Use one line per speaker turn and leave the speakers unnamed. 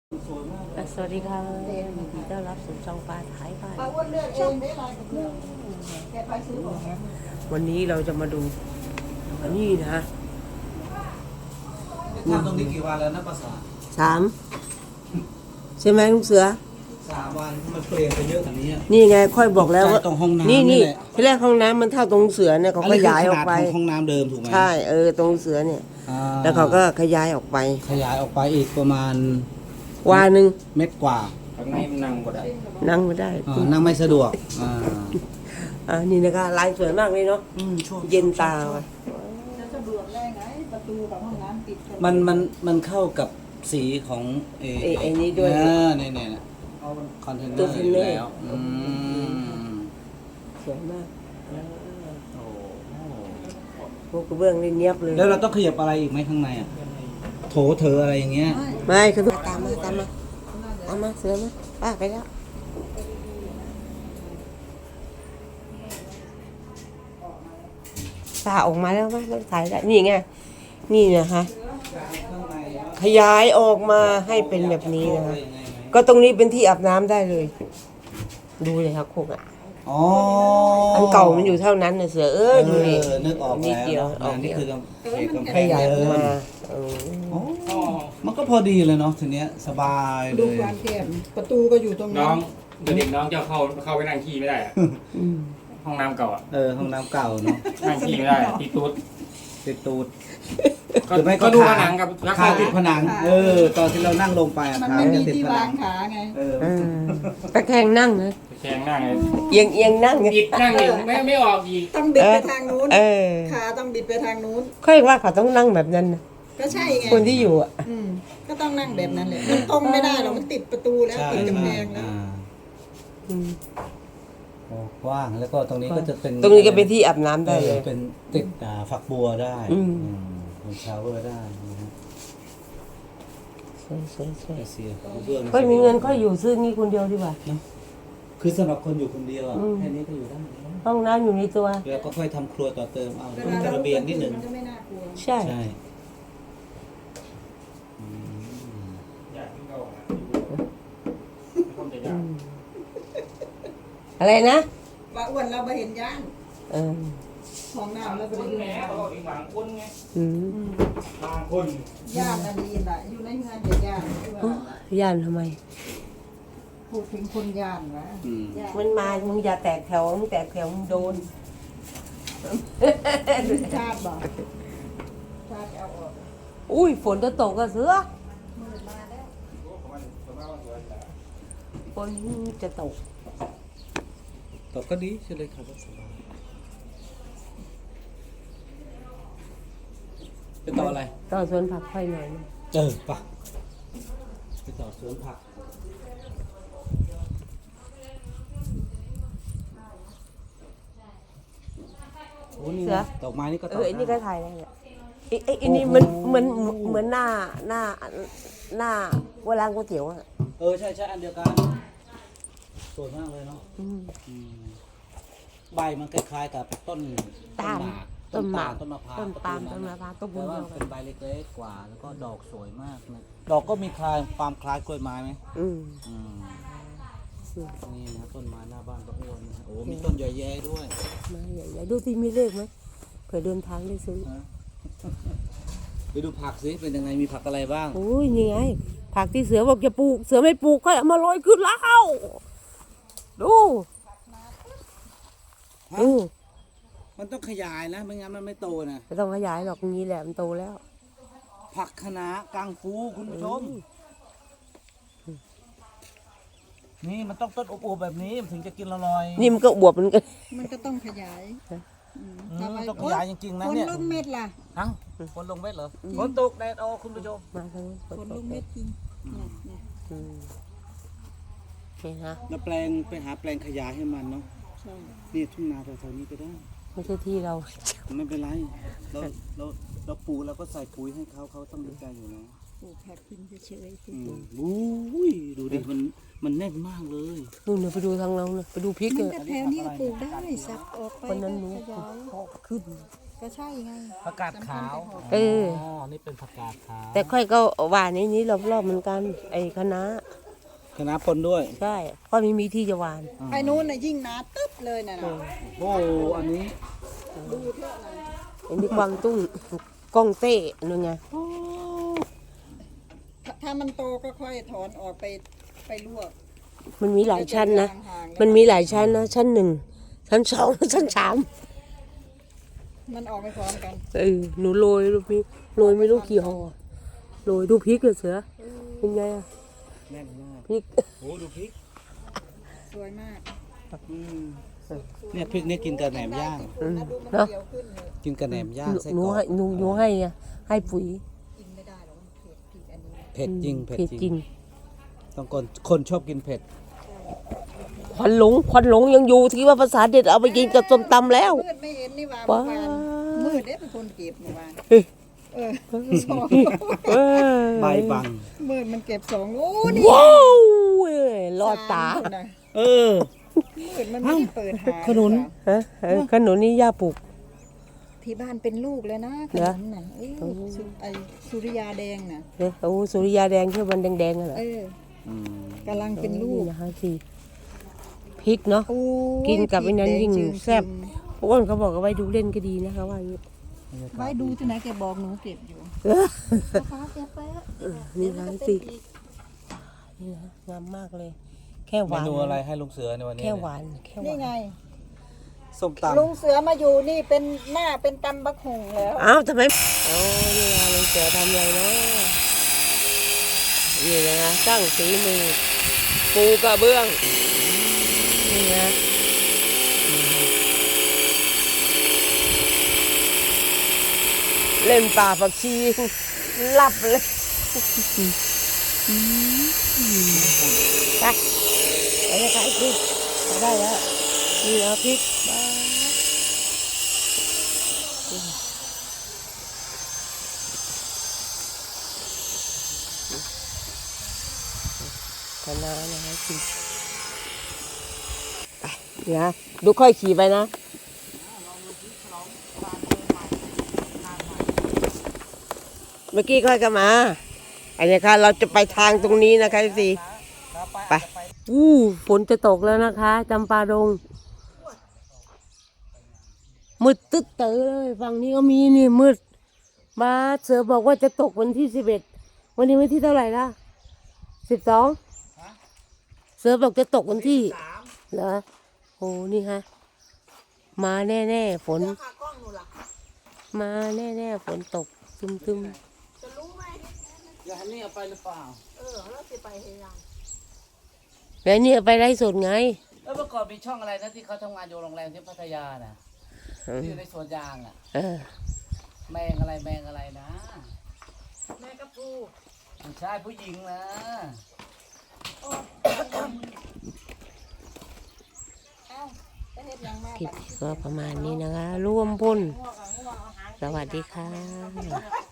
สวัสดีค่ะยินดีต้อนรับสู่ช่องปลาถ่ายบ้านวันนี้เราจะมาดูอันนี้นะ
ทำตรงนี้กี่วันแล้วนะภาษา
ใช่ไหมลุงเสือ
3 วันมันเปลี่ยนไปเยอะกว่านี้
นี่ไงค่อยบอกแล้วว่า
ตรงห้องน้ำ
นี่
นี่
ที่แรกห้องน้ำมันเท่าตรงเสือเนี่ยเขาขยายออกไป
ห้องน้ำเดิมถูกไหม
ใช่ตรงเสือเนี่ยแล้วเขาก็ขยายออกไป
อีกประมาณ
วานึง
เม็ดกว่า
ข้างในมันนั่งก็ได้
นั่งไม่ได้
นั่งไม่สะดวก
นี่นะคะลายสวยมากเลยเนาะเย็นตาว่ะ
มันเข้ากับสีของ
ไอ้นี้ด้วย
เนี่ยคอนเทนเนอร์อยู่แล้ว
สวยมากพวกกระเบื้องนี่เนียบเลย
แล้วเราต้องขยับอะไรอีกไหมข้างในโถเธออะไรอย่างเงี้ย
ไม่คือตามมาเสือมาป้าไปแล้วป้าออกมาแล้วมั้ยต้องถ่ายได้นี่ไงนี่นะคะขยายออกมาให้เป็นแบบนี้นะคะก็ตรงนี้เป็นที่อาบน้ำได้เลยดูเลยครับคงอันเก่ามันอยู่เท่านั้นนะเสือดูดิ
นึกออกแล้ว
นิดเดียว
นี่คือ
ขยายออกมา
มันก็พอดีเลยเนาะทีเนี้ยสบายเลย
ดูความแคบประตูก็อยู่ตรง
น้
นั้
อน งเด็กน้องจะเข้าไปนั่งขี้ไม่ได้ห้องน้ำเก่า
ห้องน้ำเก่าเนาะ
นั่งขี้ไม่ได้ติดตูด
ก็
ดูผนังกับ
ขาติดผนังตอนที่เรานั่งลงไป
มันไม่มีที่วางขาไง
ตะแคงนั่งนะ
แข็งนั่งเลย
เอียงนั่ง
บิดนั่งอยู่ไม่ออกอีก
ต้องบิดไปทางนู้นขาต้องบิดไปทางนู้น
ค่อยว่าเขาต้องนั่งแบบนั้นนะ
ก็ใช่ไง
คนที่อยู่
ก็ต้องนั่งแบบนั้นเลยมันตรงไม่ได้หรอกมันติดประตูแล้วติดกำแพงแล้ว
กว้างแล้วก็ตรงนี้ก็จะเป็น
ตรงนี้ก็เป็นที่อาบน้ำได้เลย
เป็นติดฝักบัวได้เป็นชาวเวอร์ได้
สวย
ก็
มีเงินก็อยู่ซื้องี้คนเดียวดีกว่า
คือสำหรับคนอยู่คนเดียวแค่นี้ก็อยู่ได้
ห้องน้ำอยู่ในตัว
แล้วก็ค่อยทำครัวต่อเติมเอาระเบียงนิดหนึ่ง
ใช่อะไรนะ
ว่าอ้วนเราไปเห็นย่างของน้ำเราไปดู
แหมเขาบอกอีกหวังคนไงบางคน
ย่านอะไรล่ะอยู่ในเมืองเด็กย่าน
ย่านทำไม
พูดถึงคนย่านวะ
มันมามึงอย่าแตกแถวมึงแตกแถวมึงโดน
ชาติบอกชาติเอาออก
อุ้ยฝนจะตกก็เสือฝนจะตก
ก็ดีใช่เลยครับสบายไปต่ออะไร
ต่อสวนผักค่อยหน่อย
ปะไปต่อสวนผักโอ้นี่ดอกไม้นี่ก็ต่อ
อันนี้ก็ถ่ายได้เนี่ยอันนี้มันเหมือนหน้าเวลาก๋วยเตี๋ยว
ใช่อันเดียวกันสวยมากเลยเนาะใบมันคล้ายๆกับต้น
หมากต้น
มะพร้าว
ต้นปาล์มต้นมะพร้าวต้นบุญ
เป็นใบเล็กๆกว่าแล้วก็ดอกสวยมากนะดอกก็มีความคล้ายกล้วยไม้ไหมนี่นะต้นไม้หน้าบ้านก็อ้วนนะมีต้นใหญ่แย่ด้วย
ไม้ใหญ่ๆดูที่มีเลขไหมเผื่อเดินทางได้ซื้อ
ไปดูผักสิเป็นยังไงมีผักอะไรบ้าง
โอ้ยนี่ไงผักที่เสือบอกจะปลูกเสือไม่ปลูกก็เอามาลอยขึ้นแล้วดู
มันต้องขยายนะไม่งั้นมันไม่โตนะ
ไม่ต้องขยายหรอกงี้แหละมันโตแล้ว
ผักคะน้ากางฟูคุณผู้ชมนี่มันต้องต้นอบๆแบบนี้มันถึงจะกินอร่อย
นี่มันก็บวบมัน
ก็ต้องขยาย
ต้องขยายจริงๆนะเนี่ย
ฝนลงเม็ดล่ะ
ฝนลงเม็ดเหรอฝนตกแดดออกคุณผู้ชม
ฝนลงเม็ดจริง
แล้วแปลงไปหาแปลงขยายให้มันเนาะนี่ทุ่งนาแถวๆนี้ก็ได้
ไม่ใช่ที่เรา
ไม่เป็นไรเราปลูกแล้วก็ใส่ปุ๋ยให้เขาต้องดีใจอยู่นะ
ปลูกแค่กินเฉย
ๆดูดิมันแน่นมากเลย
นู่นไปดูทางเราไปดูพริก
แถวนี้ปลูกได้สับออกไป
คนนั้นรู้ขึ้น
ก็ใช่ไง
ผักกาดขาว
เออ
อ๋อนี่เป็นผักกาดขาว
แต่ค่อยก็หวานในนี้รอบๆเหมือนกัน ไอ้คะน้า
คณะปนด้วย
ใช่เพราะไม่มีที่จะหวาน
ไอ้นู้นน่ะยิ่งหนาตึ๊บเลยน่ะนะ
โอ้อันนี้
ดูเถอะนะ
อันนี้กวางตุ้งกองเต้นู่นไง
ถ้ามันโตก็ค่อยถอนออกไปลวก
มันมีหลายชั้นนะ
ห่างๆ
มันมีหลายชั้นนะ ชั้น 1 ชั้น 2 ชั้น 3
มันออกไปพร้อมกัน
หนูโรยลูกพริกโรยไม่รู้กี่ห่อโรยดูพริกเลยเสือเป็นไงอะ
แน่นมาก
พริก
โอ้ดูพริก
สวยมาก
เนี่ยพริกเนี่ยกินกับแหนมย่าง
นะดูมันเขียวขึ้นเลย
กินกับแหนมย่างไส้
หนู
กรอก
ให้หนูให้อะให้ปุ๋ย
กินไม่ได้หรอกมันเผ็ดพริกอันนี้
เผ็ดจริงเผ็ด
เผ็ด
จ
จ
ริ
ริ
ง
ง
ต้องคนชอบกินเผ็ด
ควันหลงยังอยู่ที่ว่าภาษาเด็ดเอาไปกินกับส้มตำแล้ว
มืดไม่เห็นนี่หว่า
ว้า
เมื่อวานมืดเด้เป็นคนเก็บเมื่อวาน
เฮ้ย
สอง
เอ้ย
ใบบัง
มืดมันเก็บสองโอ้นี่
ว้าวเว้ยรอดตา
สมคนน่ะ
เออ
มืดมันไม่ได้เปิดหา
ขนุน
ฮะขนุนนี่ย่าปลูก
ที่บ้านเป็นลูกเลยนะข
เหร
นุ
อ
นน่ะไอ้สุริยาแดงน่ะ
เนี่ยโอ้สุริยาแดงที่มันแดงๆน่ะเหรอ
กำลังเป็นลูก
นี่นะคะสิพริกเนาะ
โอ้ย
กินกับไอ้นั้นยิ่ง
พริกดจึ
แซ่บ พวกคนเขาบอกเอาไว้ดูเล่นก็ดีนะคะว่าอย่างนี้
ไว้ดูที่ไหนแกบอกหนูเก็บอยู่นะคะเก็บไปอะ
นี่นะสินี่นะงามมากเลย แค่ห
เม
วาน
นูอะไรให้ลุงเสือในวันนี้
แค่หวานแค่ห
นี่
วาน
ไง
ส้มต
ลุงเสือมาอยู่นี่เป็นหน้าเป็นตำบักหุ่งแล้ว
อ้าวทำไมโอ้นี่นะลุงเสือทำอะไรเนาะนี่นะคะสร้างฝีมือปูกระเบื้องนี่นะเล่นป่าผักชีหลับเลยไปไปเลยขายพริกไปได้แล้วนี่นะพริกบ้าคะน้านะคะขี่ไปเดี๋ยวนะดูค่อยขี่ไปนะ เมื่อกี้ค่อยก็มา อันนี้ค่ะเราจะไปทางตรงนี้นะคะสิไปฝนจะตกแล้วนะคะจำปาดงมืดตึ๊ดเต๋อเลยฝั่งนี้ก็มีนี่มืดมาเสือบอกว่าจะตกวันที่11วันนี้วันที่เท่าไหร่ละ12เสือบอกจะตกวันที่เหรอโอ้นี่ฮะมาแน่ๆฝนมาแน่ๆฝนตกตึมๆ
อย่าให้นี่เอาไปหรือเปล่า
แล้วเนี่ยไปไล่สดไง
แล้วเมื่อก่อนมีช่องอะไรนะที่เขาทำงานอยู่โรงแรมที่พัทยาน่ะที่อยู่ในสวนยางอ่ะ
เออ
แมงอะไรนะแมงกะพรูไม่ใช่ผู้หญิงนะ
คลิปก็ประมาณนี้นะคะ ร่วมพลสวัสดีค่ะ